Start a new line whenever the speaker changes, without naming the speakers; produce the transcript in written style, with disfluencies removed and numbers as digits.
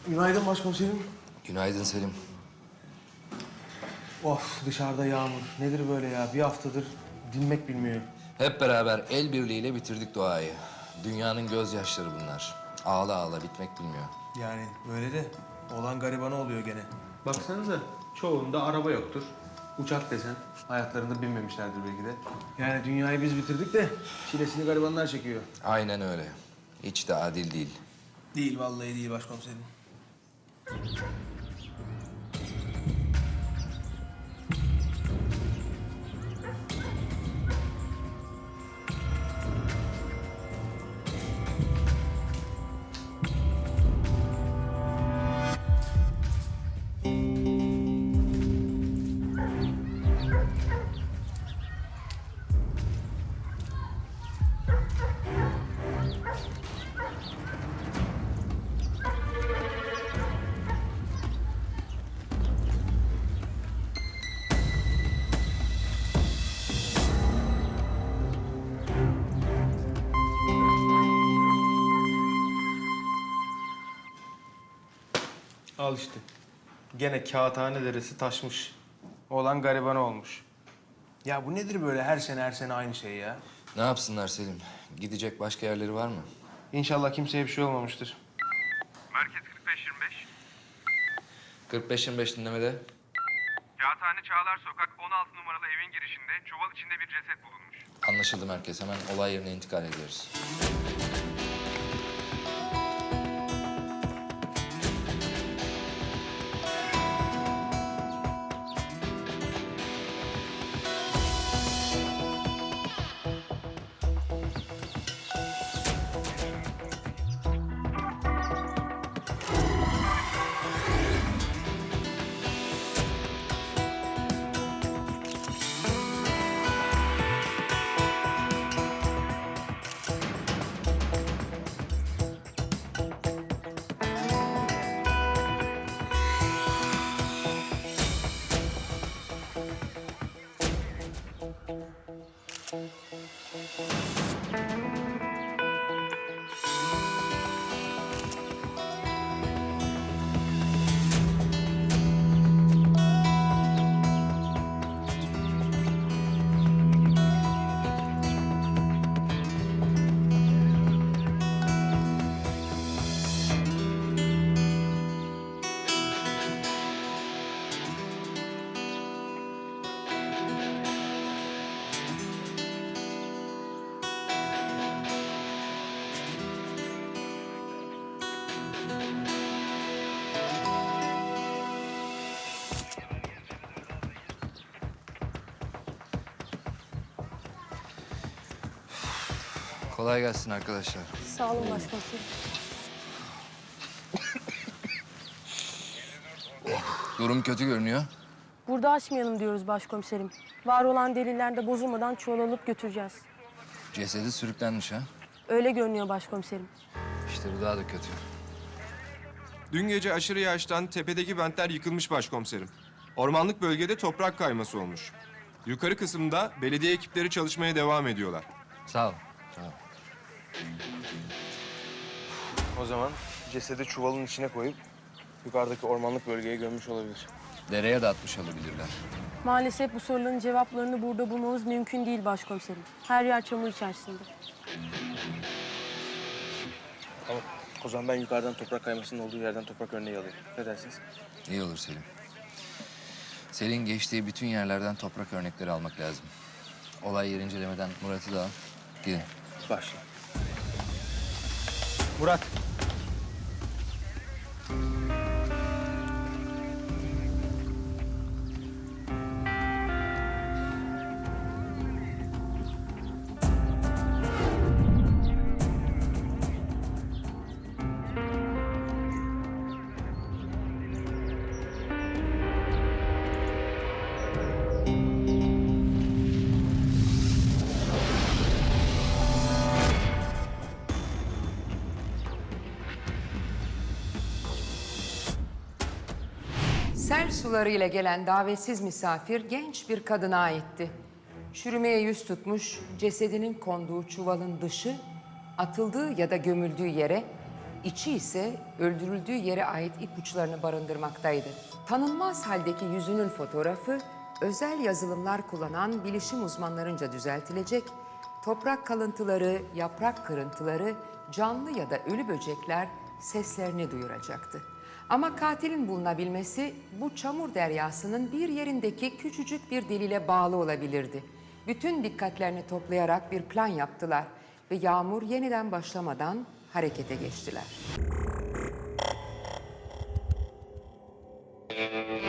Günaydın başkomiserim.
Günaydın Selim.
Of dışarıda yağmur. Nedir böyle ya? Bir haftadır dinmek bilmiyor.
Hep beraber el birliğiyle bitirdik doğayı. Dünyanın gözyaşları bunlar. Ağla ağla bitmek bilmiyor.
Yani öyle de olan garibana oluyor gene. Baksanıza çoğunda araba yoktur. Uçak desen hayatlarında binmemişlerdir belki de. Yani dünyayı biz bitirdik de çilesini garibanlar çekiyor.
Aynen öyle. Hiç de adil değil.
Değil vallahi değil başkomiserim. Al işte. Gene Kağıthane Deresi taşmış. Olan garibana olmuş. Ya bu nedir böyle her sene aynı şey ya?
Ne yapsınlar Selim? Gidecek başka yerleri var mı?
İnşallah kimseye bir şey olmamıştır.
Merkez 45-25.
45-25 dinlemede.
Kağıthane Çağlar Sokak 16 numaralı evin girişinde çuval içinde bir ceset bulunmuş.
Anlaşıldı merkez. Hemen olay yerine intikal ediyoruz. Kolay gelsin arkadaşlar.
Sağ olun başkomiserim.
Durum kötü görünüyor.
Burada açmayalım diyoruz başkomiserim. Var olan deliller de bozulmadan çuval alıp götüreceğiz.
Cesedi sürüklenmiş ha.
Öyle görünüyor başkomiserim.
İşte bu daha da kötü.
Dün gece aşırı yağıştan tepedeki bentler yıkılmış başkomiserim. Ormanlık bölgede toprak kayması olmuş. Yukarı kısımda belediye ekipleri çalışmaya devam ediyorlar.
Sağ ol. Sağ ol.
O zaman cesedi çuvalın içine koyup yukarıdaki ormanlık bölgeye gömmüş olabilir.
Dereye de atmış olabilirler.
Maalesef bu soruların cevaplarını burada bulmamız mümkün değil başkomiserim. Her yer çamur içerisinde.
Tamam. O zaman ben yukarıdan toprak kaymasının olduğu yerden toprak örneği alayım. Ne dersiniz?
İyi olur Selim. Selin geçtiği bütün yerlerden toprak örnekleri almak lazım. Olay yer incelemeden Murat'ı da al. Gidin.
Başla. Murat.
Sel sularıyla gelen davetsiz misafir genç bir kadına aitti. Çürümeye yüz tutmuş, cesedinin konduğu çuvalın dışı, atıldığı ya da gömüldüğü yere İçi ise öldürüldüğü yere ait ipuçlarını barındırmaktaydı. Tanınmaz haldeki yüzünün fotoğrafı özel yazılımlar kullanan bilişim uzmanlarınca düzeltilecek, toprak kalıntıları, yaprak kırıntıları, canlı ya da ölü böcekler seslerini duyuracaktı. Ama katilin bulunabilmesi bu çamur deryasının bir yerindeki küçücük bir deliğe bağlı olabilirdi. Bütün dikkatlerini toplayarak bir plan yaptılar ve yağmur yeniden başlamadan harekete geçtiler.